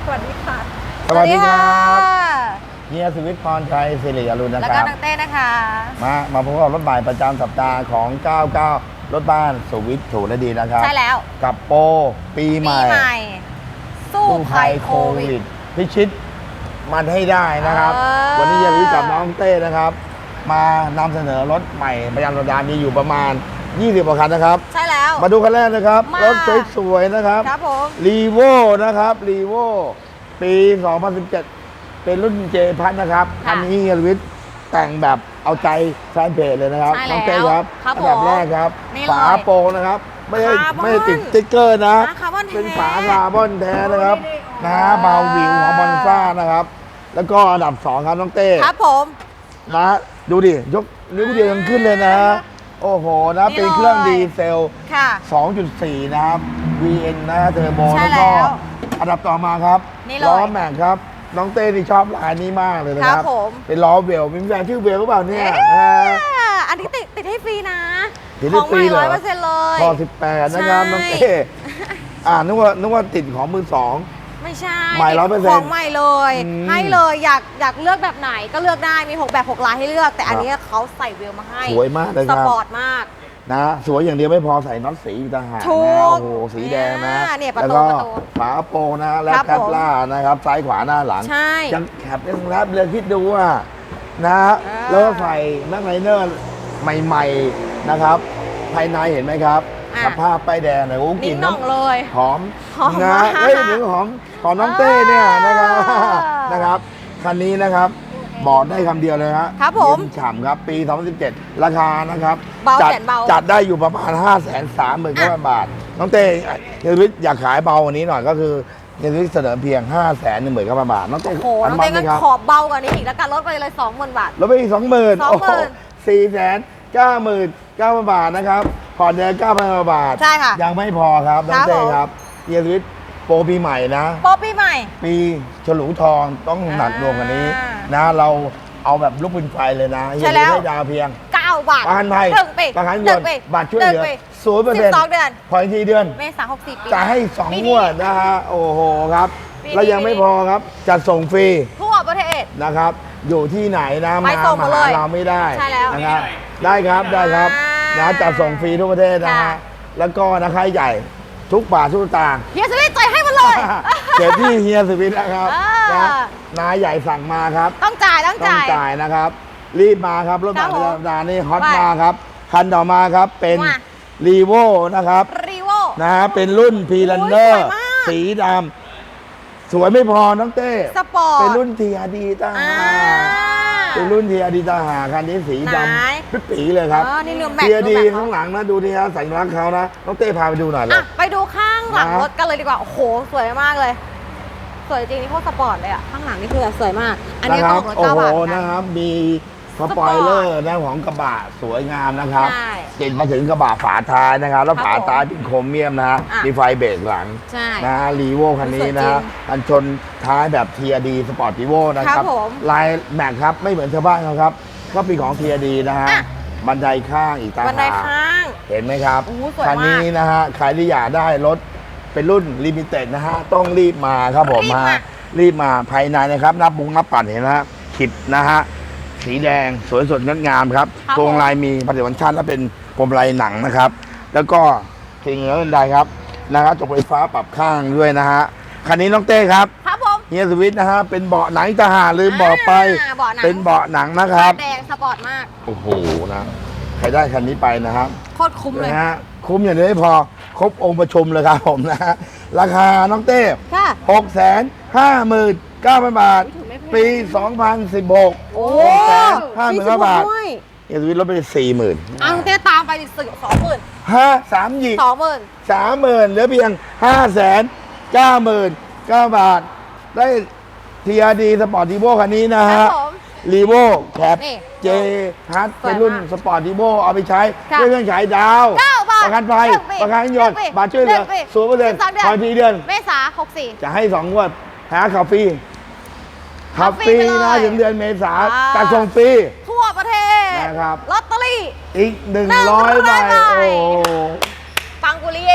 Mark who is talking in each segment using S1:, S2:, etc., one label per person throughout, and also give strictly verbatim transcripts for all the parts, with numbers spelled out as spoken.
S1: วัสดีค่ะ
S2: สวัสดีครับเฮียสุวิทย์พรชัยสิริอรุณนะครับ
S1: แล้วก็น้องเต้นะคะ
S2: มามาพบกับรถใหม่ประจำสัปดาห์ของเก้าสิบเก้ารถบ้านสุวิทย์ถูกและดีนะครับ
S1: ใช่แล้ว
S2: กับโปรปีใหม่
S1: สู้ภัยโควิด
S2: พิชิตมันให้ได้นะครับวันนี้เฮียสุวิทย์กับน้องเต้นะครับมานำเสนอรถใหม่ประจำสัปดาห์มีอยู่ประมาณยี่สิบกว่าคันนะครับ
S1: ใช่แล้ว
S2: มาดูคันแรกนะครับรถสวยๆนะครับ
S1: ครับผม
S2: รีโวนะครับรีโวปีสองพันสิบเจ็ดเป็นรุ่นเจพัทนะครับคันนี้เฮียสุวิทย์แต่งแบบเอาใจแฟนเพจเลยนะครับน้องเต้ครับอันดับแรกครับฝาโปรงนะครับไม่ได้ไม่ได้ติดสติ๊กเกอร์นะเป็นฝาคาร์บอนแท้นะครับนะเบาวิวของบอนซ่านะครับแล้วก็อันดับสองครับน้องเต้
S1: ครับผม
S2: นะดูดิยกนิ้วเดียวยังขึ้นเลยนะโอ้โหนะเป็นเครื่องดีเซล สองจุดสี่ นะครับ วี เอ็น นะเทอร์โบแล้วก็อันดับต่อมาครับล้อแม็กครับน้องเต้ที่ชอบลายนี้มากเลยนะครับเป็นล้อเวลมีแฟนชื่อเวลหรือเปล่าเนี่ย
S1: อันนี้ติดติดให้ฟรีนะ
S2: ติดให้ฟรีเลย
S1: ร้อยเปอร์เซ็นต์เลย
S2: พอสิบแปดนะครับน้องเต้อ่านึกว่านึกว่าติดของมือสอง
S1: ไม่ใช่
S2: ใหม่ร้อยเปอร์เซ็นต์
S1: ของใหม่เลยให้เลยอยากอยากเลือกแบบไหนก็เลือกได้มีหกแบบหกลายให้เลือกแต่อันนี้เขาใส่เวลมาให้
S2: สวยมากเลยครับ
S1: สปอร์ตมาก
S2: นะสวยอย่างเดียวไม่พอใส่น็อตสีต่างหากนะโอ้โหสีแดงนะแล้วก็ฝาโปรงนะและแคปล่านะครับซ้ายขวาหน้าหลังยังแคปยังแรปเลยคิดดูว่านะแล้วก็ใส่แม็กไนเนอร์ใหม่ๆนะครับภายในเห็นไหมครับสภาพป้ายแดงเลยโอ้กลิ่นน้ำ
S1: เลย
S2: หอมนะเฮ้ยถึงหอมของน้องเต้เนี่ยนะครับนะครับคันนี้นะครับบอกได้คำเดียวเลย
S1: ครับผม
S2: ฉ่ำครับปีสองพันสิบเจ็ดราคานะครับ
S1: จัด
S2: จัดได้อยู่ประมาณ ห้าแสนสามหมื่น เก้าพัน บาทน้องเต้เฮียสุวิทย์อยากขายเบาวันนี้หน่อยก็คือเฮียสุวิทย์เสนอเพียง ห้าแสนหนึ่งหมื่น เก้าพัน บาทน้องเต้
S1: โอ้โหน้องเต้ก็ขอเบากว่านี้อีกแล้วกันลดไปเลย สองหมื่น บาท
S2: ลดไปอีก สองหมื่น โอ้โห สี่แสนเก้าหมื่นเก้าพัน บาทนะครับผ่อนเดือน เก้าพัน บาท
S1: ใช่ค่ะ
S2: ยังไม่พอครับน้องเต้ครับเฮียสุวิทย์โปรปีใหม่นะ
S1: โปรปีใหม่
S2: ปีฉลูทองต้องหนักรวมกันนี้นะเราเอาแบบลูกปืนไฟเลยนะ
S1: ใช่แล้ว
S2: ให้ดาวเพียง
S1: เก้าบาท
S2: ประกันภัยประกันยนต์บัตรช่วยเหลือศูนย์เปอร์เซ็นต์
S1: เดือน
S2: ผ่อนทีเดือน
S1: เมษาหกสิบปี
S2: จะให้สองงวดนะฮะโอ้โหครับแล้วยังไม่พอครับจัดส่งฟรี
S1: ทั่วประเทศ
S2: นะครับอยู่ที่ไหนนะ
S1: มา
S2: มาหาเราไม่ได้นะครับได้ครับได้ครับนะจัดส่งฟรีทั่วประเทศนะฮะแล้วก็นะค่าใหญ่ทุกบาททุกต่าง
S1: เฮียสวิทย์จ่ายให้มันเลย
S2: เกิดที่เฮียสวิทย์นะครับนะนายใหญ่สั่งมาครับ
S1: ต้องจ่ายต้องจ่าย
S2: ต้องจ่ายนะครับรีบมาครับรถบัสธรรมดานี่ฮอตมาครับคันต่อมาครับเป็นรีโวนะครับ
S1: รีโว
S2: นะฮะเป็นรุ่นพีรันเนอร์สีดำสวยไม่พอน้องเต้
S1: สปอร์ต
S2: เป็นรุ่นทีอาร์ดีตาเป็นรุ่นทีอาร์ดีตาหาคันนี้สีดำปิ๊ปีเลยครับทีอาร์ดีข้างหลังนะดูที่ฮะสัญลักษณ์เขานะน้องเต้พาไปดูหน่อยเลย
S1: ไปดูข้างหลังรถกันเลยดีกว่าโอ้โหสวยมากเลยสวยจริงนี่พวกสปอร์ตเลยอ่ะข้างหลังนี่คือสวยมากอันนี้ก็
S2: โอ้โหนะครับมีสปอยเลอร์นะของกระบะสวยงามนะครับติดมาถึงกระบะฝาท้ายนะครับแล้วฝาท้ายเป็นโครเมียมนะฮะมีไฟเบรกหลังนะรีโวคันนี้นะกันชนท้ายแบบ ที อาร์ ดี สปอร์ตรีโวนะครับลายแม็กครับไม่เหมือนชาวบ้านเขาครับก็เป็นของ ที อาร์ ดี นะฮะบันไดข้างอีกต่างหากเห็นไหมครับคันนี้นะฮะใครที่อยากได้รถเป็นรุ่นลิมิเต็ดนะฮะต้องรีบมาครับผมมารีบมาภายในนะครับนับบุ้งนับปัดเห็นนะฮะขิดนะฮะสีแดงสวยสดงดงามครับโครงลายมีผลิตภัณฑ์ชาติและเป็นพรมลายหนังนะครับแล้วก็สิ่งเหนืออื่นใดครับนะครับจกไฟฟ้าปรับข้างด้วยนะฮะคันนี้น้องเต้ครับ
S1: ครับผม
S2: เฮียสวิทนะฮะเป็นเบาะหนังทหารลืมบอกไปเป็นเบาะหนังนะครับ
S1: แดงสปอร์ตมาก
S2: โอ้โหนะใครได้คันนี้ไปนะครับ
S1: โคตรคุ้มเลย
S2: นะฮะคุ้มอย่างนี้ไม่พอครบองค์ประชุมเลยครับผมนะฮะราคาน้องเต้หกแสนห้าหมื่นเก้าพันบาทปีสองพันสิบหก
S1: โอ้
S2: แสนห้าหมื่นเก้าบาทเอสวิทลดไปสี่หมื่น
S1: อ่ะน้องเต้ตามไปสิสองหมื่น
S2: ห้าสามหยิก
S1: สองหมื่น
S2: สามหมื่นเหลือเพียงห้าแสนเก้าหมื่นเก้าบาทได้ทีอาร์ดีสปอร์ตทีโบคันนี้นะฮะรีโวแคปเจฮัทเป็นรุ่นสปอร์ตทีโบเอาไปใช้ด้วยเครื่องฉายดาวประกันภัยประกันยนต์บาทช่วยเหลือศูนย์เปอร์เซ็นต์ผ่อนทีเดือน
S1: เมษาหกสี่
S2: จะให้สองงวดหาขับฟรีขับฟรีนะถึงเดือนเมษาจัดส่งฟรี
S1: ทั่วประเทศ
S2: นะครับ
S1: ลอตเตอรี่
S2: อีกหนึ่งร้อยใบโอ้
S1: ปังกุลีเยมาก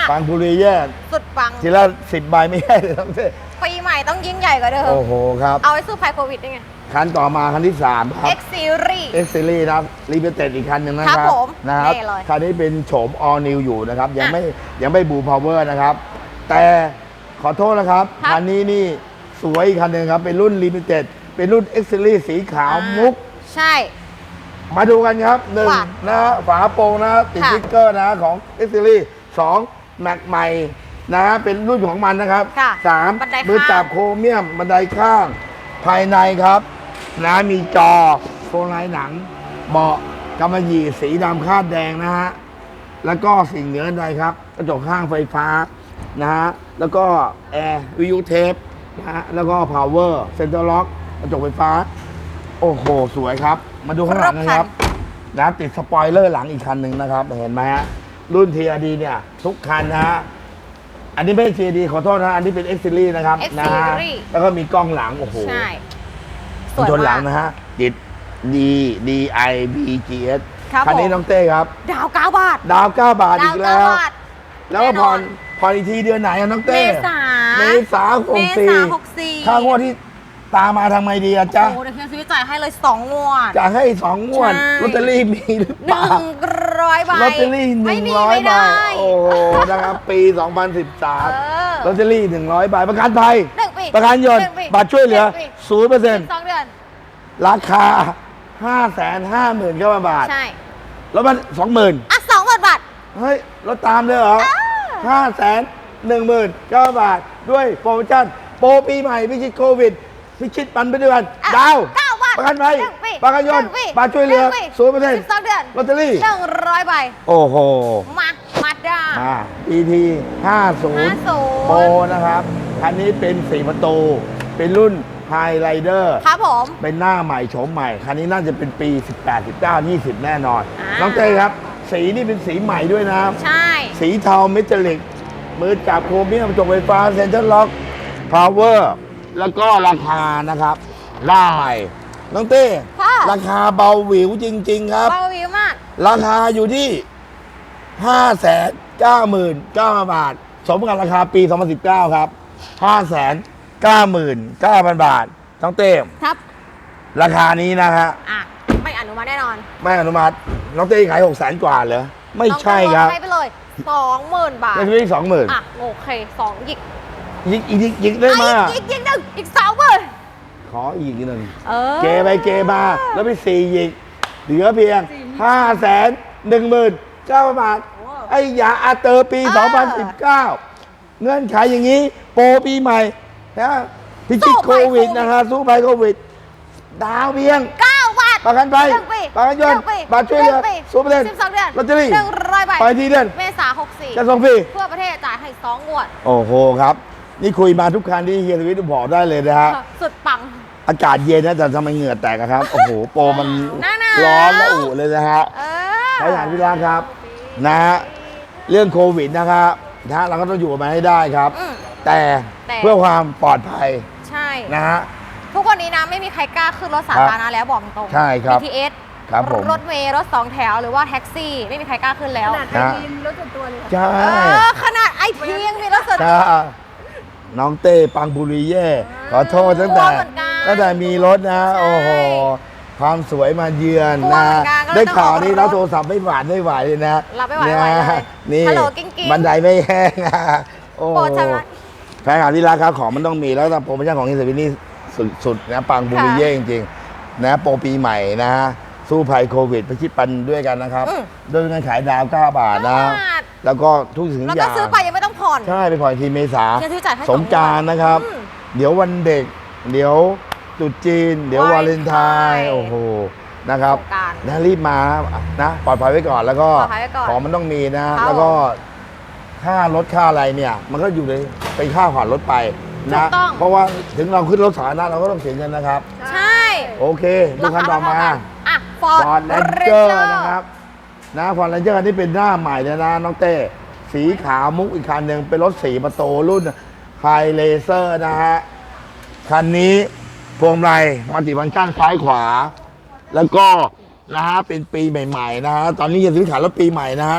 S2: ปังบุรีเย่
S1: สุดปัง
S2: ทีละสิบใบไม่ใช่เลยทั้งเส้น
S1: ปีใหม่ต้องยิ่งใหญ่กว่าเดิม
S2: โอ้โหครับ
S1: เอาไว้สู้ภัยโควิดได้ไง
S2: คันต่อมาคันที่สามครับ
S1: X Series
S2: X Series นะครับรีเบเต็ดอีกคันหนึ่งนะค
S1: ครั
S2: รับบ
S1: ผม
S2: นะครับ
S1: นี่เลย
S2: คันนี้เป็นโฉม all new อยู่นะครับ ยัง
S1: อ่ะ
S2: ไม่ยังไม่บูพาวเวอร์นะครับ แต่ขอโทษนะครับ
S1: ครับ
S2: คันนี้นี่สวยอีกคันหนึ่งครับ เป็นรุ่นลิมิเต็ดเป็นรุ่น X Series สีขาว
S1: อ่า
S2: มุก
S1: ใช่
S2: มาดูกันครับหนึ่ง
S1: ว่า
S2: นะฝาโปรงนะติด
S1: ค่ะ
S2: สติ๊กเกอร์นะของ X Series สองแม็กใหม่นะเป็นรุ่นของมันนะครับ
S1: ค่ะ
S2: สาม
S1: บันไดข้าง
S2: มือจับโครเมียมบันไดข้าง ภายในครับนะมีจอโฟลไลท์หนังเบาะกำมะหยี่สีดำคาดแดงนะฮะ แล้วก็สิ่งเหนือใดครับกระจกข้างไฟฟ้านะฮะ แล้วก็แอร์วิทยุเทปนะฮะ แล้วก็พาวเวอร์เซ็นเตอร์ล็อกกระจกไฟฟ้า โอ้โห สวยครับ มาดูข้างหลังนะครับนะติดสปอยเลอร์หลังอีกคันหนึ่งนะครับ เห็นไหมฮะ รุ่น ที อาร์ ดี เนี่ย ทุกคันนะฮะ อันนี้ไม่ใช่ ที อาร์ ดี ขอโทษนะ อันนี้เป็น X Series นะครับ
S1: X
S2: นะฮะ
S1: Series
S2: แล้วก็มีกล้องหลัง โอ้โห
S1: ใช่ ส
S2: กัน
S1: วย
S2: ชนหลั
S1: มาง ก
S2: นะฮะติด D D I B G S
S1: ครับ
S2: คันนี้
S1: ผม
S2: น้องเต้ครับ
S1: ดาวเก้าบาท
S2: ดาวเก้าบาท
S1: ดา
S2: อี
S1: ว
S2: ก
S1: เก้า
S2: แล้ว
S1: บาท
S2: แล้วก็
S1: แน่น
S2: ผ่อ
S1: อน น
S2: ผ่อนอีกทีเดือนไหนอะน้อง
S1: เม
S2: เต้
S1: ษา
S2: เมษาห
S1: เม
S2: กสี่
S1: ษาหกสี่
S2: ค่างวดที่ตามมาทำไมดีอะจ๊ะ
S1: โอ้โหเดี๋ยวเฮียซื้อจ่ายให้เลยสองงวด
S2: จะให้สองงวด
S1: ใช่
S2: ลอตเตอรี่มีหรือ
S1: ห
S2: เปล่า
S1: นึ่งร้อยใบ
S2: ลอตเตอรี่ห
S1: ไม่
S2: นึ่ง
S1: มี
S2: ร้อย
S1: ไม่
S2: ใบ
S1: ได้
S2: โอ้โหนะครับ ปีสองพันสิบสาม
S1: เออ
S2: ลอตเตอรี่หนึ่งร้อยใบประกันภัย
S1: หนึ่งปี
S2: ประกันยน
S1: ห
S2: ต์
S1: งปี
S2: บัตรช่วยเหลือ
S1: นึ่งปี
S2: ศูนย์เปอร์เซ็นต์
S1: สองเดือน
S2: ราคาห้าแสนห้าหมื่นเก้าพันบาท
S1: ใช่
S2: แล้วมันสองหมื่น
S1: อ่ะสองหมื่นบาท
S2: เฮ้ยรถตามเลยเหรอ
S1: อ้าว
S2: ห้าแสนหนึ่งหมื่นเก้าบาท ด้วยโปรโมชั่นโปรปีใหม่พิชิตโควิด พิชิตปันไปด้วยกัน
S1: อ่ะ
S2: ดาว
S1: เก้าบาท
S2: ประกันภัย
S1: หนึ่งปี
S2: ประกันยนต์
S1: หงปี
S2: บัตรช่วยเหลือ
S1: นึ่งปี
S2: ศูนย์เปอร์เซ็นต์
S1: สิบสองเดือน
S2: ลอตเตอรี่
S1: หนึ่งร้อยใบ
S2: โอ้โห
S1: มามาด้า
S2: มา อี ที ห้าสิบ
S1: ห้าสิบ
S2: โปรนะครับ คันนี้เป็นสี่ประตู เป็นรุ่นไฮไ i เดอร์
S1: ครับผม
S2: เป็นหน้าใหม่โฉมใหม่ คันนี้น่าจะเป็นปี สิบแปด สิบเก้า ยี่สิบ แน่นอน
S1: อ่า
S2: น้องเต้ครับ สีนี่เป็นสีใหม่ด้วยนะ
S1: ใช่
S2: สีเทาเมทัลลิก มือจับโครเมียมกระจกไฟฟ้าเซ็นเตอร์ล็อกพาวเวอร์แล้วก็ราคานะครับได้น้องเต้
S1: ค่ะ
S2: ราคาเบาหวิวจริง ๆ ครับ
S1: เบาวิวมาก
S2: ราคาอยู่ที่ ห้าแสนเก้าหมื่นเก้าพัน บาท สมกับราคาปี สองพันสิบเก้า ครับ ห้าแสนเก้าหมื่นเก้าพัน บาทน้องเต้
S1: ครับ
S2: ราคานี้นะฮะ
S1: อ่ะ ไม่อนุมัติแน่นอน
S2: ไม่อนุมัติน้องเต้ขายหกแสนกว่าเหรอไม่ใช่ครับ
S1: ต้องให้ไปเลยสองหมื่นบาท
S2: ไม่ใช่สองหมื่น
S1: อ่ะ โอเคสองหยิก
S2: ยิกอีกยิกยิกได้มาก
S1: อีกอีกหนึ่งอีกสองหมื่น
S2: ขออีกหนึ่ง
S1: เออ
S2: เกไปเกมาแล้วไปสี่ยิกเหลือเพียงห้าแสนหนึ่งหมื่นเก้าพันบาท ไอ้ยาอาเตอร์ปี สองพันสิบเก้า เงื่อนไขอย่างนี้ โปรปีใหม่นะพิชิตโควิดนะฮะสู้ภัยโควิด ดาวเพียง
S1: เก้าบาท
S2: ประกันภัย
S1: หนึ่งปี
S2: ประกันยนต์
S1: หงปี
S2: บัตรช่วยเหลือ
S1: นึ่งปี
S2: ศูนย์เปอร์เซ็นต์
S1: สิบสองเดือน
S2: ลอตเตอรี่
S1: หนึ่งร้อยใบ
S2: ไปทีเดือน
S1: เมษาหกสี่
S2: จะส่งฟรี
S1: ทั่วประเทศจ่ายให้สองงวด
S2: โอ้โหครับ นี่คุยมาทุกคันที่เฮียสวิทย์บอกได้เลยนะฮะ
S1: สุดปัง
S2: อากาศเย็นนะแต่ทำไมเหงื่อแตกอะครับ โอ้โห โปรมัน
S1: หน้าหนาว
S2: ร้อนและอุเลยนะฮะ
S1: เออ
S2: ใช้งานพี่รักครับนะฮะเรื่องโควิดนะครับนะฮะเราก็ต้องอยู่กับมันให้ได้ครับ
S1: อืม
S2: แต่
S1: แต่
S2: เพื่อความปลอดภัย
S1: ใช่
S2: นะฮะ
S1: ทุกวันนี้นะไม่มีใครกล้าขึ้นรถสาธารณะแล้วบอกตรง
S2: ใช่ครับ
S1: บี ที เอส
S2: ครับผม
S1: รถเมล์รถสองแถวหรือว่าแท็กซี่ ไม่มีใครกล้าขึ้นแล้ว
S3: ขนาดไอทีมรถส่วนตัวเลย
S2: ใช่
S1: เออขนาดไอพียังมีรถส่วน
S2: ใช่น้องเต้ปังบุรีเย่ขอโทษตั้งแต่
S1: กลัวเหมือนกัน
S2: ตั้งแต่มีรถนะ
S1: ใช่
S2: โอ้โหความสวยมาเยือน
S1: กลัว
S2: นะ
S1: เหมือนกันก็เลย
S2: ได้ข่าว
S1: ต้องออก
S2: นี่
S1: รถ
S2: รับโทรศัพท์ไม่หวานไม่ไหวเลยนะ
S1: รับไม่ไหวไม่ไหวเลย
S2: นี่
S1: ฮัลโหลกิ้งกิ้ง
S2: บันไดไม่แห้งอะโอ้
S1: โปรดชำระ
S2: แพงหาที่ราคาของมันต้องมีแล้วแต่โปรโมชั่นของเฮสวินนี่สุดๆนะปังบุรีเย่จริงๆนะโปรปีใหม่นะสู้ภัยโควิดไปคิดปันด้วยกันนะครับ
S1: อืม
S2: ด้วยเงินขายดาวเก้าบาทนะ
S1: เก้าบาท
S2: แล้วก็ทุกสิ่งทุ
S1: แล้ว
S2: กอ
S1: ก็
S2: ย่าง
S1: ซื้อไปยังไม่ต้องผ่อน
S2: ใช่ไปผ่อนทีเมษา
S1: เฮียซื้อจ่ายให้
S2: สงกรารนะครับ
S1: อืม
S2: เดี๋ยววันเด็ก เดี๋ยวตรุษจีน เดี๋ยววาเลนไทน์โอ้โหนะครับ
S1: สงกรานต์
S2: นะรีบมานะปลอดภัยไว้ก่อนแล้วก็
S1: ปลอดภัยไว้ก่อน
S2: ของมันต้องมีนะ
S1: ครับ
S2: แล้วก็ค่ารถค่าอะไรเนี่ย มันก็อยู่ในเป็นค่าผ่อนรถไป
S1: ถู
S2: นะ
S1: กต้อง
S2: เพราะว่าถึงเราขึ้นรถสาธารณะเราก็ต้องเสียเงินนะครับ
S1: ใช่
S2: โอเคดูคันต่อมา
S1: อ่ะฟอร์ด
S2: ฟอร์ดแลนเจอร์นะครับนะฟอร์ดแลนเจอร์นี่เป็นหน้าใหม่เลยนะน้องเต้สีขาวมุกอีกคันหนึ่งเป็นรถสีประตูรุ่นไฮเลเซอร์นะฮะ คันนี้พวงมาลัยมัลติฟังก์ชันซ้ายขวา แล้วก็นะฮะเป็นปีใหม่ๆนะฮะตอนนี้ยังซื้อขายรถปีใหม่นะฮะ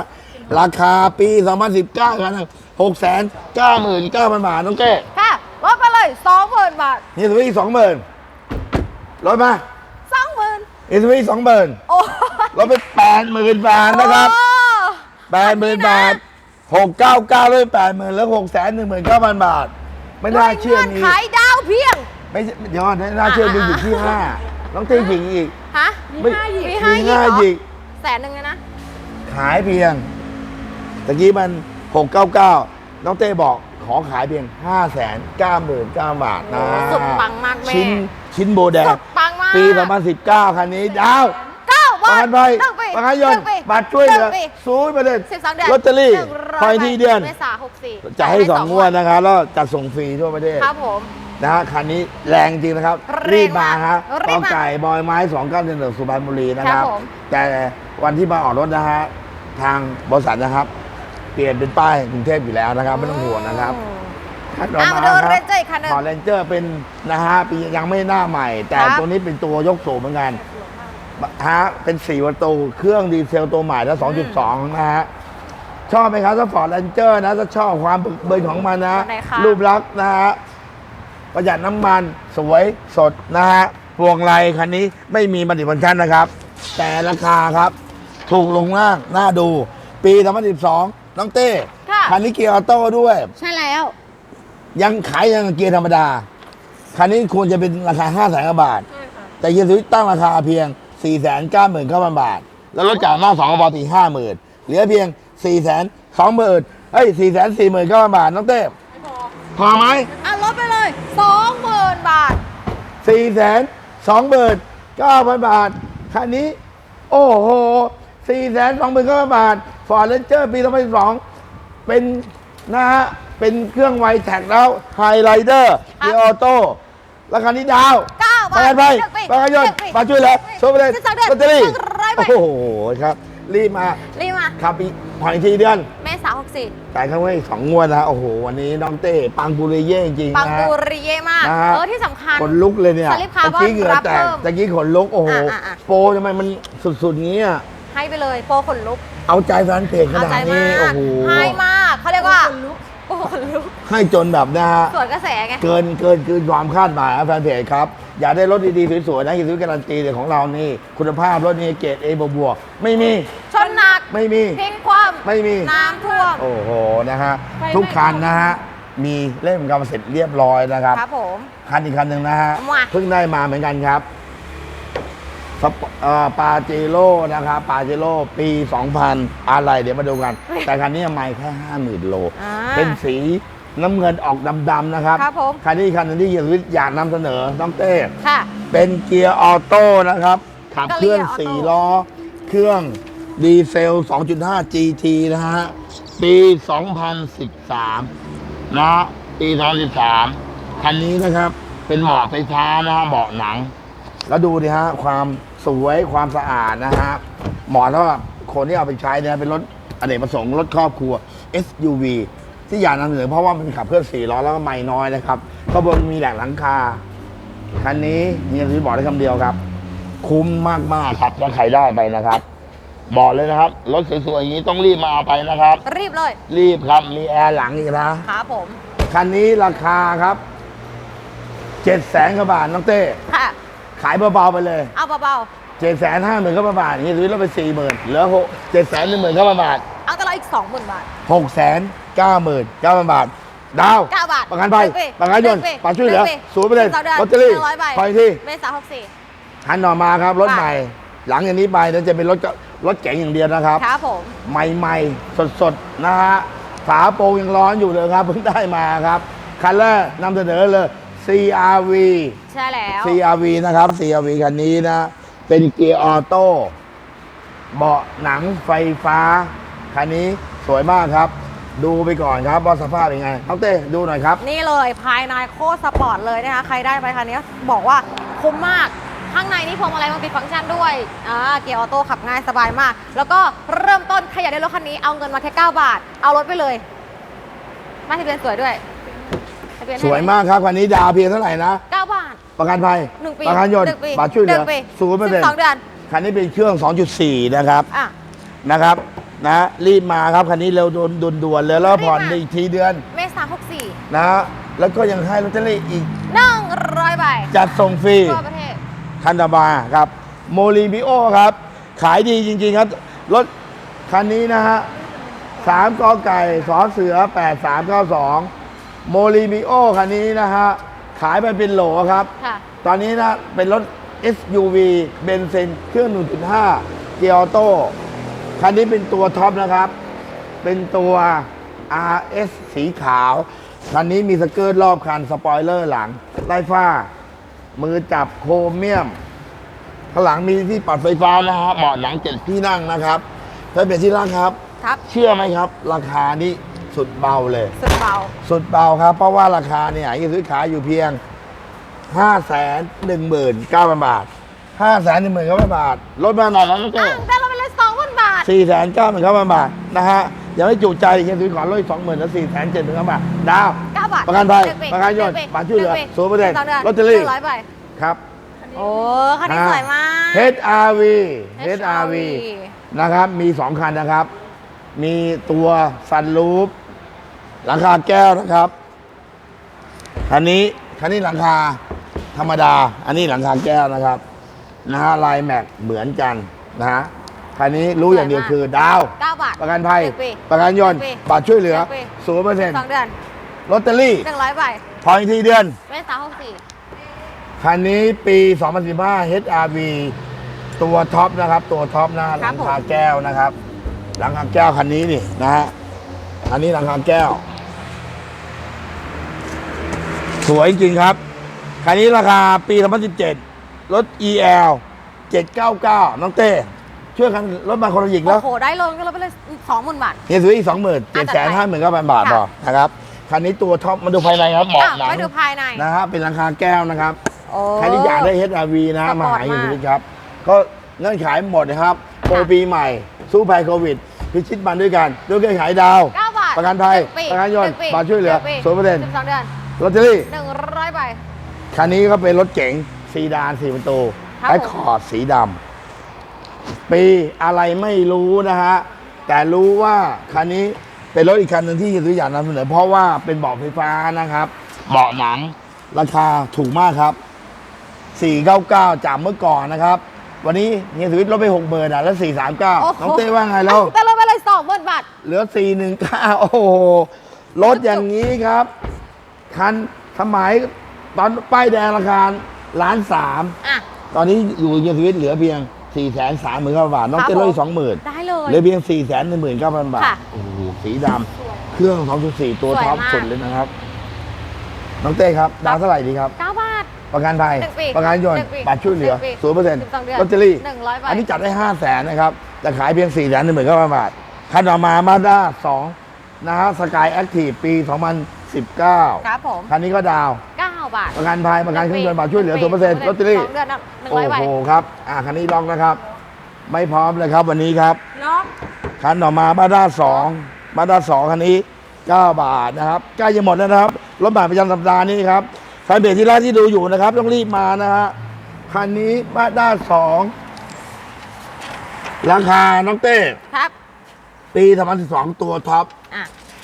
S2: ราคาปีสองพันสิบเก้ากันหกแสนเก้าหมื่นเก้าพันบาทน้องเก้
S1: ค่ะลดไปเลยสองหมื่นบาท
S2: นี่สวิตสองหมื่นลดมา
S1: สองหมื่น
S2: นี่สวิตสองหมื่น
S1: โอ้
S2: ลดไปแปดหมื่นบาทนะครับแปดหมื่นบาทหกเก้าเก้าเลยแปดหมื่นแล้วหกแสนหนึ่งหมื่นเก้าพันบาท ไม่น่าเชื่อมี
S1: ขายดาวเพียง
S2: ไม่เดี๋ยวไม่น่าเชื่อมีอยู่ที่ห้าน้องเต้หญิงอีก
S1: ฮะ
S2: ไม่
S1: มี
S2: มี
S1: ห้า
S2: ห้า
S1: ห
S2: ห
S1: ยิ
S2: ยิ
S1: ก
S2: ก
S1: แสนหนึ่งเลยนะ
S2: ขายเพียงตะกี้มันหกเก้าเก้าน้องเต้บอกขอขายเพียงห้าแสนเก้าหมื่นเก้าบาทนะ
S1: สุดปังมากแม่
S2: ชิ้นชิ้นโบแดง
S1: สุดปังมาก
S2: ปีสองพันสิบเก้าคันนี้ดาว
S1: เก้า
S2: ประ
S1: บา
S2: กั
S1: ท
S2: นภัย
S1: หนึ่งปี
S2: ประกันยนต์
S1: หงปี
S2: บัตรช่วยเหลือ
S1: นึ่งปี
S2: ศูนย์เปอร์เซ็นต์
S1: สิบสองเดือน
S2: ลอตเตอรี่
S1: หนึ่งร้
S2: พอยที่เดือน
S1: เมษาหกสี่
S2: จะให้สองงวดนะครับแล้วจัดส่งฟรีทั่วประเทศ
S1: ครับผม
S2: นะฮะคันนี้แรงจริงนะครับ
S1: แรงมาก
S2: รีบมาฮะ
S1: รี
S2: ก
S1: บมา
S2: ไก่บอยไม้สองเก้าหนึ่งสุพรรณบุรีนะค
S1: ครั
S2: รั
S1: บบ ผม
S2: แต่วันที่มาออกรถนะฮะทางบริษัทนะครับ เปลี่ยนเป็นป้ายกรุงเทพอยู่แล้วนะครับไม่ต้องห่วงนะครับ
S1: อืม
S2: คันต่อ
S1: อ่ะ
S2: มา
S1: มาดู
S2: ครับ
S1: เรนเจอร์อีกคันหนึ่ง
S2: พอเรนเจอร์เป็นนะฮะปียังไม่หน้าใหม่ แต่
S1: ครับ
S2: ตัวนี้เป็นตัวยกสูงเหมือนกันฮะเป็นสี่ประตูเครื่องดีเซลตัวใหม่แล้วสองจุดสองนะฮะชอบไหมครับถ้าฟอร์ดเรนเจอร์นะถ้าชอบความบึกเบินของมันนะ
S1: ไหนคะ
S2: รูปลักษณ์นะฮะประหยัดน้ำมันสวยสดนะฮะพวงไลคันนี้ไม่มีบันทึกบันชันนะครับ แต่ราคาครับ ถูกลงมากน่าดู ปีสองพันสิบสองน้องเต้
S1: ค่ะ
S2: คันนี้เกียร์ออโต้ด้วย
S1: ใช่แล้ว
S2: ยังขายยังเกียร์ธรรมดา คันนี้ควรจะเป็นราคา ห้าแสนกว่าบาท แต่เกียร์สวิตตั้งราคาเพียง สี่แสนเก้าหมื่นเก้าพัน บาท แล้วลดจากหน้าสองกระบอกตีห้าหมื่นเหลือเพียง สี่แสนสองหมื่นเอ้ย สี่แสนสี่หมื่นเก้าพัน บาท น้องเต้พอไหม
S1: อ่ะลดไปเลยสองหมื่นบาท
S2: สี่แสนสองหมื่นเก้าพัน บาท คันนี้ โอ้โห สี่แสนสองหมื่นเก้าพัน บาท ฟอร์ดเรนเจอร์ปีสองพันสิบสองเป็นนะฮะ เป็นเครื่องไวแท็กแล้วไฮไลเดอร์เกียร์ออโต้ราคานี้ดาว
S1: เก้าบาท
S2: ประกันภัย
S1: หนึ่งปี
S2: ประกันยนต์
S1: หนึ่งปี
S2: มาช่วยเหลือโชว์ไปเลย
S1: สิบสองเดือน
S2: ลอตเตอรี่
S1: หนึ่งร้อยใบ
S2: โอ้โหครับ รีบมา
S1: รีบมา
S2: ครับอีกผ่อนอีกทีเดือน
S1: เมษาหกสี่
S2: จ่ายข้างไว้สองงวดนะฮะโอ้โห วันนี้น้องเต้ปังปุริเย่จริงๆ
S1: ปัง
S2: นะ
S1: ปู
S2: ฮะ
S1: ริเย่มาก
S2: นะฮะ
S1: เออที่สำคัญ
S2: ขนลุกเลยเนี่ย
S1: สลิปคาร์บอน
S2: ตะกี้เหงื่อแตก
S1: รับเพิ่ม
S2: ตะกี้ขนลุก โอ้โห
S1: อ่ะอ่ะอ่ะ
S2: โปรทำไมมันสุดๆงี้อ่ะ
S1: ให้ไปเลยโปรขนลุก
S2: เอาใจแฟนเพจข
S1: เอา
S2: นา
S1: ใจ
S2: ด
S1: มา
S2: นี้ โอ้
S1: ก
S2: โห
S1: ให้มากเขาเรียกว่าโปรขนลุก
S2: ให้จนแบบนะฮะ
S1: สวนกระแสไง
S2: เกินเกินเกินความคาดหมายนะแฟนเพจครับ อยากได้รถดีๆ สวยๆนะอย่าซื้อการันตีแต่ของเรานี่ คุณภาพรถนี่เกรด A บวกๆไม่มี
S1: ชนหนัก
S2: ไม่มี
S1: พลิกคว่ำ
S2: ไม่มี
S1: น้ำท่วม
S2: โอ้โห นะฮะ
S1: ไฟไม่
S2: ทุกคันนะฮะ มีเล่มกำมะเสร็จเรียบร้อยนะครับ
S1: ครับผม
S2: คันอีกคันหนึ่งนะฮะ
S1: มา
S2: เพิ่งได้มาเหมือนกันครับสปเอ่อปาเจโร่นะครับปาเจโร่ปี สองพัน อะไรเดี๋ยวมาดูกัน แต่คันนี้ไม่แค่ ห้าหมื่น โล
S1: อ่า
S2: เป็นสีน้ำเงินออกดำๆนะครับ
S1: ครับผม
S2: คันนี้คันหนึงที่เฮียสวิทย์อยากนำเสนอน้องเต้
S1: ค่ะ
S2: เป็นเกียร์ออโต้นะครับ ขับเคลื่อน
S1: เกียร์ออโต้
S2: สี่ล้อ เครื่องดีเซล สองจุดห้า จี ที นะฮะ ปี สองพันสิบสาม นะปีสองพันสิบสาม คันนี้นะครับ เป็นเบาะไฟฟ้านะฮะเบาะหนัง แล้วดูดิฮะ ความสวยความสะอาดนะฮะ เหมาะสำหรับคนที่เอาไปใช้เนี่ยเป็นรถอเนกประสงค์รถครอบครัว เอส ยู วี ที่อยากนำเสนอเพราะว่ามันขับเคลื่อนสี่ล้อแล้วก็ไม่น้อยนะครับข้างบนมีแหลกหลังคา คันนี้เฮียซื้อบอกได้คำเดียวครับ คุ้มมากๆครับถ้าใครได้ไปนะครับ บอกเลยนะครับ รถสวยๆอย่างนี้ต้องรีบมาเอาไปนะครับ
S1: รีบเลย
S2: รีบครับมีแอร์หลังอีกนะ
S1: ครับผม
S2: คันนี้ราคาครับเจ็ดแสนกว่าบาทน้องเต้
S1: ค่ะ
S2: ขายเบาๆไปเลย
S1: เอาเบา
S2: เจ็ดแสนห้าหมื่นกว่าบาทนี่ซื้อแล้วไปสี่หมื่นเหลือหกเจ็ดแสนหนึ่งหมื่นเก้าพันบาท
S1: ๆ เอาแต่เราอีกสองหมื่นบาท
S2: หกแสนเก้าหมื่นเก้าพันบาท ดาว
S1: เก้าบาท
S2: ประกันภัย
S1: หนึ่งปี
S2: ประกันยนต์
S1: หนึ่งปี
S2: ปัจช่วยเหลือ
S1: หนึ่งปี
S2: ศูนย์เปอร์เซ็นต์
S1: สิบสองเดือน
S2: ลอตเตอรี่
S1: หนึ่งร้อยใบ
S2: คอยที่
S1: เมษาหกสี่
S2: หันหน่อมาครับ รถ
S1: ค่ะ
S2: ใหม่ หลังจากนี้ไปนั้นจะเป็นรถก็รถเก๋งอย่างเดียวนะครับ
S1: ครับผม
S2: ใหม่ๆ สดๆ นะฮะ ฝาโปรงยังร้อนอยู่เลยครับ เพิ่งได้มาครับ คันแรกนำเสนอเลย ซี อาร์ วี
S1: ใช่แล้ว
S2: ซี อาร์ วี นะครับ ซี อาร์ วี คันนี้นะ เป็นเกียร์ออโต้ เบาะหนังไฟฟ้า คันนี้สวยมากครับ ดูไปก่อนครับว่าสภาพเป็นไงน้องเต้ดูหน่อยครับ
S1: นี่เลยภายในโคตรสปอร์ตเลยนะคะ ใครได้ไปคันนี้บอกว่าคุ้มมาก ข้างในนี่พวงมาลัยมันติดฟังก์ชันด้วย อ่า เกียร์ออโต้ขับง่ายสบายมาก แล้วก็เริ่มต้นใครอยากได้รถคันนี้เอาเงินมาแค่เก้าบาท เอารถไปเลยมาทะเบียนสวยด้วยทะเบียน
S2: สวยมากครับ คันนี้ดาวเพียงเท่าไหร่นะ
S1: เก้าบาท
S2: ประกันภัย
S1: หนึ่งปี
S2: ประกันยนต์
S1: หนึ่งปี
S2: บัตรช่วยเหลือ
S1: หนึ่งปี
S2: ศูนย์เปอร์เซ็น
S1: สิบสอง
S2: ต์
S1: เดือน
S2: คันนี้เป็นเครื่อง สองจุดสี่ นะครับ
S1: อ่ะ
S2: นะครับนะรีบมาครับคันนี้เร็วโดนด่วนๆเลยแล้วผ่อนอีกทีเดือน
S1: เมษาหกสี่
S2: นะแล้วก็ยังให้ลอตเตอรี่อีก
S1: หนึ่งร้อยใบ
S2: จัดส่งฟรี
S1: ทั่วประเทศ
S2: คันตาบาครับโมลีบิโอครับขายดีจริงๆครับรถคันนี้นะฮะสามกอไก่สอเสือแปดสามเก้าสองโมลีบิโอคันนี้นะฮะขายไปเป็นโหลครับ
S1: ค่ะ
S2: ตอนนี้นะเป็นรถ เอส ยู วี เบนซินเครื่อง หนึ่งจุดห้า เกียร์ออโต้คันนี้เป็นตัวท็อปนะครับ เป็นตัว อาร์ เอส สีขาว คันนี้มีสเกิร์ตรอบคัน สปอยเลอร์หลังไล่ฟ้า มือจับโครเมียม ข้างหลังมีที่ปรับไฟฟ้านะครับเบาะหนังเจ็ดที่นั่งนะครับถ้าเป็นที่นั่งครับ
S1: ครับ
S2: เชื่อไหมครับ ราคานี้สุดเบาเลย
S1: สุดเบา
S2: สุดเบาครับ เพราะว่าราคาเนี่ยที่ซื้อขายอยู่เพียง ห้าแสนหนึ่งหมื่นเก้าพัน บาท ห้าแสนหนึ่งหมื่นเก้าพัน บาท ลดมาหน่อยแล้วนะเจ้
S1: อ่ะได้เราไปเลยสองพันบาท
S2: สี่แสนเก้าหมื่นเก้าพัน บาทนะฮะยังไม่จุใจยังซื้อขอลดสองหมื่นแล้วสี่แสนเจ็ดหมื่นเก้าพัน บาท ดาว
S1: เก้าบาท
S2: ประกันภัย
S1: หงปี
S2: ประกันยนต์
S1: หงปี
S2: บัตรช่วยเหลือ
S1: หงปี
S2: ศูนย์เปอร์เซ็นต์
S1: สงดืน
S2: ลอตเตอรี่
S1: หนึ่งร้อยใบ
S2: ครับ
S1: โอ้คันนี้สวยมาก
S2: เอช อาร์ วี เอช อาร์ วี นะครับ มีสองคันนะครับ มีตัวซันรูฟหลังคาแก้วนะครับคันนี้คันนี้หลังคาธรรมดา อันนี้หลังคาแก้วนะครับนะฮะลายแม็กเหมือนกันนะฮะคันนี้รู้อย่างเดียวคือดาว
S1: เก้าบาท
S2: ประกันภัย
S1: หงปี
S2: ประกันยนต์
S1: หงปี
S2: บัตรช่วยเหลือ
S1: หงปี
S2: ศูนย์เปอร์เซ็นต์
S1: สองเดือน
S2: ลอตเตอรี่
S1: หนึ่งร้อยใบ
S2: พออีกทีเดือน
S1: เมษาหกสี่
S2: คันนี้ปี สองพันสิบห้า เอช อาร์ วี ตัวท็อปนะครับ ตัวท็อปนะหลังคาแก้วนะครับ หลังคาแก้วคันนี้นี่นะฮะอันนี้หลังคาแก้ว สวยจริงครับ คันนี้ราคาปี สองพันสิบเจ็ด รถ อี แอล เจ็ดเก้าเก้า น้องเต้ ช่วยกันรถมาคนละหยิกแล้ว
S1: โอ้โห ได้ลงก็เราไปเลยสองหมื่นบาท
S2: เฮียซื้ออีกสองหมื่นเจ็ดแสนห้าหมื่นเก้าพันบาทต่อนะครับ คันนี้ตัวท็อปมาดูภายในครับเบาะ
S1: อ่ะ
S2: หนัง
S1: ไปดูภายใน
S2: นะฮะเป็นหลังคาแก้วนะครับ
S1: โอ้
S2: ใครที่อยากได้ เอช อาร์ วี นะ
S1: สปอร์ต
S2: มาหาอยู่
S1: มาก
S2: ที่ครับ ก็เงื่อนไขหมดนะครับ โปรปีใหม่ สู้ภัยโควิด พิชิตมันด้วยกันด้วยเงื่อนไขดาว
S1: เก้าบาท
S2: ประกันภัย
S1: หงปี
S2: ประกันยนต์
S1: หงปี
S2: บัตรช่วยเหลือ
S1: งปี
S2: ศูนย์เปอร์เซ็นต์
S1: สิบสองเดือน
S2: ลอตเตอรี่
S1: หนึ่งร้อยใบ
S2: คันนี้ก็เป็นรถเก๋งซีดานสี่ประตู
S1: ครับ
S2: ไอ้
S1: ผม
S2: คอร์ดสีดำปีอะไรไม่รู้นะฮะ แต่รู้ว่าคันนี้เป็นรถอีกคันหนึ่งที่ซื้ออยากนำเสนอเพราะว่าเป็นเบาะไฟฟ้านะครับเบาะหนังราคาถูกมากครับ สี่เก้าเก้า จากเมื่อก่อนนะครับ วันนี้เฮียสวิตลดไปหกหมื่นอ่ะแล้วสี่สามเก้า
S1: โอ้โห
S2: น้องเต้ว่าไงแล้ว
S1: แต่เราไปเลยสองหมื่นบาท
S2: เหลือสี่หนึ่งเก้าโอ้โหลดอย่างนี้ครับ คันสมัยตอนป้ายแดงราคาล้านสาม
S1: อ่ะ
S2: ตอนนี้อยู่เฮียสวิตเหลือเพียงสี่แสนสามหมื่นเก้าพันบาท น้องเต้ลดสองหมื่น
S1: ได้เลย
S2: เหลือเพียงสี่แสนหนึ่งหมื่นเก้าพันบาท
S1: ค่ะ
S2: โอ้โหสีดำเครื่องสองจุดสี่ตัว
S1: สวย
S2: ท็อป
S1: มาก
S2: สุดเลยนะครับ น้องเต้ครับดาวเท่าไหร่ดีครับ
S1: เก้าบาท
S2: ประกันภัย
S1: หนึ่งปี
S2: ประกันยน
S1: ห
S2: ต์
S1: นึ่งปี
S2: บัตรช่วยเหลือ
S1: หนึ่งปี
S2: ศูนย์เปอร์เซ็นต์
S1: สิบสองเดือน
S2: ลอตเตอรี่
S1: หนึ่งร้อยใบ
S2: อันนี้จัดได้ห้าแสนนะครับแต่ขายเพียงสี่แสนหนึ่งหมื่นเก้าพันบาทคันต่อมามาด้าสองนะฮะสกายแอคทีฟปีสองพันสิบเก้า
S1: ครับผม
S2: คันนี้ก็ดาว
S1: เก้าบาท
S2: ประกันภัยประกันเครื่องยนต์บัตรช่วยเหลือศูนย์เปอร์เซ็นต์ลอตเตอรี่
S1: สองเดือนนะหนึ่ง
S2: โอ้
S1: ร้อยใบ
S2: โหครับอ่าคันนี้ล็อกนะครับ ไม่พร้อมเลยครับวันนี้ครับ
S1: ล็อก
S2: คันต่อมามาด้าสองมาด้าสองคันนี้เก้าบาทนะครับใกล้จะหมดแล้วนะครับรถบัตรประจำสัปดาห์นี้ครับแฟนเพจที่ร้านที่ดูอยู่นะครับต้องรีบมานะฮะคันนี้มาด้าสองราคาน้องเต้
S1: ครับ
S2: ปีสองพันสิบสองตัวท็อป
S1: อ่ะ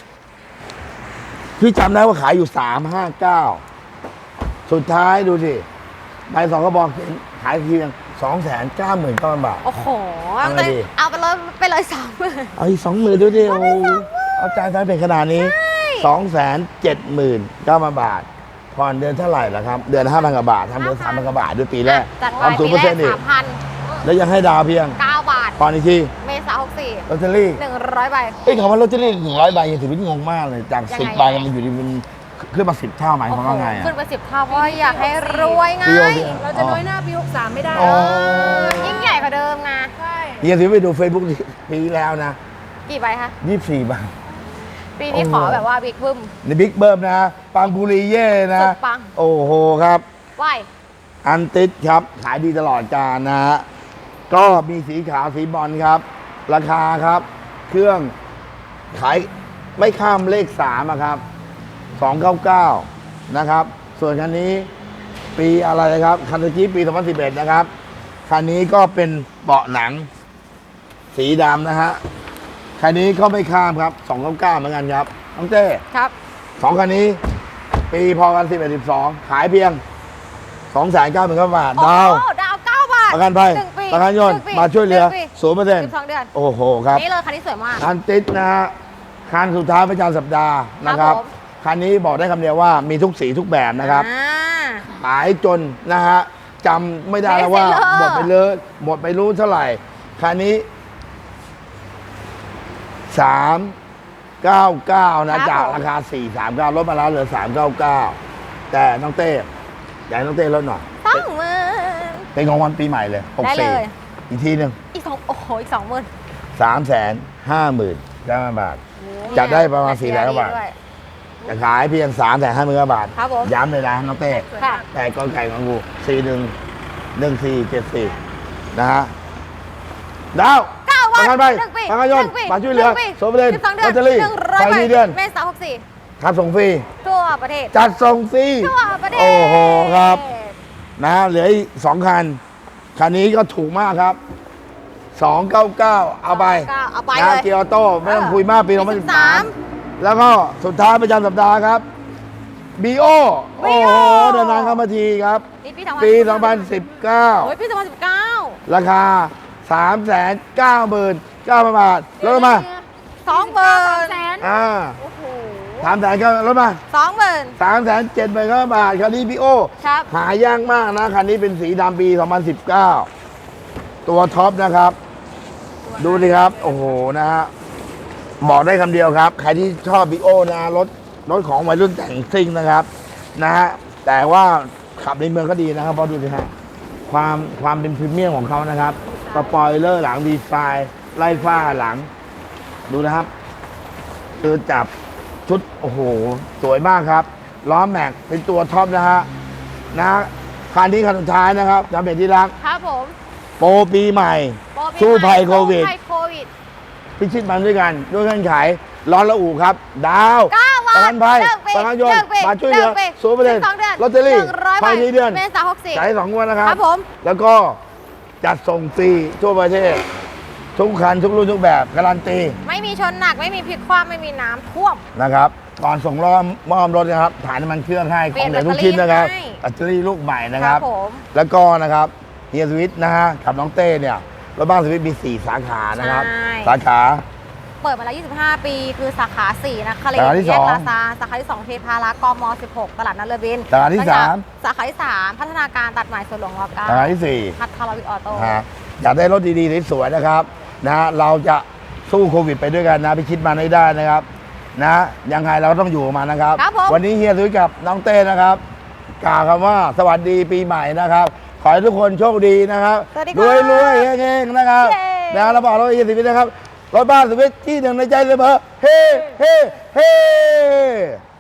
S2: พี่จำได้ว่าขายอยู่สามห้าเก้าสุดท้ายดูสิใบสองกระบอกขายเพียงสองแสนเก้าหมื่นเก้าพันบาท
S1: โอ้โห
S2: เอาไงดี
S1: เอาไปเลยไปเลยสองหมื่น
S2: เอาอีกสองหมื่นดูดิโอ้โหเอาใจแฟนเพจขนาดนี้สองแสนเจ็ดหมื่นเก้าพันบาทผ่อนเดือนเท่าไหร่ล่ะครับ เดือนห้าพันกว่าบาททำเดือนสามพันกว่าบาทด้วยปีแรก
S1: จัดไป
S2: ทำศูนย์เปอร์เซ็นต์
S1: ปี
S2: อี
S1: แร
S2: ก
S1: กสามพัน
S2: แล้วยังให้ดาวเพียง
S1: เก้าบาท
S2: ผ่อนอีกที
S1: เมษาหกสี่
S2: ลอตเตอรี่
S1: หนึ่งร้อยใบ
S2: เอ้ยคำว่าลอตเตอรี่หนึ่งร้อยใบยังถือว่างงมากเลย จาก
S1: ยังไง
S2: สิบใบมันอยู่ดีมันขึ้นมาสิบเท่าหมายความว่าไงอ่ะ
S1: ขึ้นไปสิบเท่าเพราะอยากให้รวยไง
S2: ปีโอเค
S3: เราจะน้อยหน้าปีหกสามไม่ได้
S2: อ๋อ
S1: ยิ่งใหญ่กว่าเดิมไง
S3: ใช่
S2: เฮียถือไปดูเฟซบุ๊กปีแล้วนะ
S1: กี่ใบคะ
S2: ยี่สิบสี่ใบ
S1: ปีนี้
S2: โอ้โห
S1: ขอแบบว่าบิ๊กบึ้ม
S2: ในบิ๊กเบิ้มนะปังบุรีเย่นะ
S1: สุดปัง
S2: โอ้โหครับ
S1: ไหว
S2: อันติดครับ ขายดีตลอดกาลนะฮะก็มีสีขาวสีบอลครับ ราคาครับ เครื่องขายไม่ข้ามเลขสามอะครับสองเก้าเก้านะครับ ส่วนคันนี้ปีอะไรนะครับคันตะกี้ปีสองพันสิบเอ็ดนะครับ คันนี้ก็เป็นเบาะหนังสีดำนะฮะคันนี้ก็ไม่ข้ามครับสองเก้าเก้าเหมือนกันครับน้องเต้
S1: ครับ
S2: สองคันนี้ ปีพอกันสิบเอ็ดสิบสองขายเพียงสองแสนเก้าหมื่นบาทดาว
S1: โอ้ดาวเก้าบาท
S2: ประกันภัย
S1: หนึ่งปี
S2: ประกันยนต์
S1: หงปี
S2: มาช่วยเหลือ
S1: นึ่งปี
S2: ศูนย์เปอร์เซ็นต์
S1: สิบสองเดือน
S2: โอ้โหครับ
S1: นี่เลยคันนี้สวยมาก
S2: คันติดนะฮะคันสุดท้ายประจำสัปดาห์นะครับ
S1: ผม
S2: คันนี้บอกได้คำเดียวว่ามีทุกสีทุกแบบนะครับ
S1: อ่า
S2: ขายจนนะฮะจำไม่ได้แล้วว่า
S1: เบสเซลเลอร์
S2: หมดไปเลยหมดไปรู้เท่าไหร่คันนี้สามเก้าเก้านะจากราคาสี่สามเก้าลดมาแล้วเหลือสามเก้าเก้าแต่น้องเต้อยากให้น้องเต้ลดหน่อย
S1: สองหมื่น
S2: เป็นของวันปีใหม่เลยหก
S1: ได้
S2: สี่
S1: เลย
S2: อีกทีหนึ่ง
S1: อีกสองโอ้โหอีกสองหมื่น
S2: สามแสนห้าหมื่นเก้าพันบาท จัดได้ประมาณสี่แสนกว่าบาท จะขายเพียงสามแสนห้าหมื่นบาท
S1: ครับผม
S2: ย้ำเลยนะน้องเต้
S1: ค่ะ
S2: แต่กอไก่ของกูสี่หนึ่งหนึ่งสี่เจ็ดสี่นะฮะดาว
S1: เก้าวัน
S2: ประกันภัย
S1: หนึ่งปี
S2: ประกันยนต์
S1: หงปี
S2: มาช่วยเหลือ
S1: นึ่งปี
S2: โซเปอร์เดน
S1: สิบสองเดือน
S2: ลอตเตอรี่
S1: หนึ่งร้อย
S2: ไฟ
S1: ใบ
S2: มีเดือน
S1: เมษาหกสี่
S2: ครับส่งฟรี
S1: ทั่วประเทศ
S2: จัดส่งฟรี
S1: ทั่วประเทศ
S2: โอ้โหครับ นะฮะเหลืออีกสองคัน คันนี้ก็ถูกมากครับสองเก้าเก้าเอาไป
S1: เอาไป
S2: นะ
S1: เลย
S2: เกียร์ออโต้ไม่ต้องคุยมากปีสองพันสิบสาม
S1: สิบสาม
S2: แล้วก็สุดท้ายประจำสัปดาห์ครับบีโอโอ้โหเดินทางเข้ามาทีครับ
S1: นี่ปี
S2: ปีสองพันสิบเก้า
S1: โอ้ยปีสองพันสิบเก้า
S2: ราคา สามแสนเก้าหมื่นเก้าพัน บาทลดมา
S1: สองหมื่น
S3: แสน
S2: อ่า
S1: โอ้โห
S2: สามแสนก็ลดมา
S1: สองหมื่น
S2: สามแสนเจ็ดหมื่นบาทคันนี้พี่โอ
S1: ครับ
S2: หายากมากนะ คันนี้เป็นสีดำปีสองพันสิบเก้าตัวท็อปนะครับ ดูดิครับ โอ้โห นะฮะ บอกได้คำเดียวครับ ใครที่ชอบบิโอนะรถรถของวัยรุ่นแต่งซิ่งนะครับ นะฮะ แต่ว่าขับในเมืองก็ดีนะครับ เพราะดูสิฮะ ความความเป็นพรีเมียมของเขานะครับสปอยเลอร์หลังดีไซน์ไล่ฟ้าหลัง ดูนะครับคือจับชุด โอ้โห สวยมากครับ ล้อแม็กเป็นตัวท็อปนะฮะ นะคันนี้คันสุดท้ายนะครับจำเป็นที่รัก
S1: ครับผม
S2: โปรปีใหม่
S1: โปรปี
S2: สู้ภัยโควิด
S1: สู้ภัยโควิด
S2: พิชิตมันด้วยกัน ด้วยเงื่อนไขร้อนละอูครับ ดาว
S1: เก้าวัน
S2: ประกันภัย
S1: หนึ่งปี
S2: ประกันยนต์
S1: หนึ่งปี
S2: มาช่วยเหลือ
S1: หนึ่งปี
S2: ศูนย์เปอร์เซ็นต์
S1: สิบสองเดือน
S2: ลอตเตอรี่
S1: หนึ่งร้อย
S2: ภายในเดือน
S1: เมษาหกสี่
S2: จ่ายสองงวันนะครับ
S1: ครับผม
S2: แล้วก็จัดส่งฟรีทั่วประเทศ ทุกคันทุกรุ่นทุกแบบการันตี
S1: ไม่มีชนหนักไม่มีพลิกคว่ำไม่มีน้ำท่วม
S2: นะครับ ก่อนส่งรอบมอบรถนะครับถ่ายน้ำมันเครื่องให้
S1: เป
S2: ข
S1: ลี่
S2: อย ง
S1: น
S2: เหลือทุกชิ้นนะครับ
S1: ให้
S2: แบตเตอรี่ลูกใหม่นะ
S1: ค
S2: ค
S1: รั
S2: รั
S1: บบ ผม
S2: แล้วก็นะครับเฮียสวิตนะฮะกับน้องเต้เนี่ยรถบ้านสวิตมีสี่สาขานะครับ
S1: ใช่
S2: สาขา
S1: เปิดมาแล้วยี่สิบห้า ปีคือสาขาสี่นะคะเลย
S2: สาขาที่
S1: แย
S2: ส
S1: ก
S2: อง
S1: ลาซาสาขาที่สองเทพารักษ์กมสิบหกตลาดนัดเรือบิน
S2: สาขาที่สาม
S1: สาขาที่สามพัฒนาการตัดใหม่สวนหลวงรเก้า
S2: สาขาที่สี่
S1: พัทรวิทย์ออโต้
S2: นะฮะอยากได้รถดีๆสวยๆนะครับนะฮะเราจะสู้โควิดไปด้วยกันนะพิชิตมันให้ได้นะครับนะยังไงเราก็ต้องอยู่กับมันนะครับ
S1: ครับผม
S2: วันนี้เฮียสุยกับน้องเต้นะครับกล่าวคำว่าสวัสดีปีใหม่นะครับ ขอให้ทุกคนโชคดีนะครับ
S1: สวัสดีค
S2: ร
S1: รับ
S2: วยรวยๆเฮงๆนะครับ
S1: เย้
S2: นะเราบอกเราเฮียสุวิทย์นะครับรถบ้านสุวิทย์ที่หนึ่งในใจเสมอเฮ้เฮ้เฮ้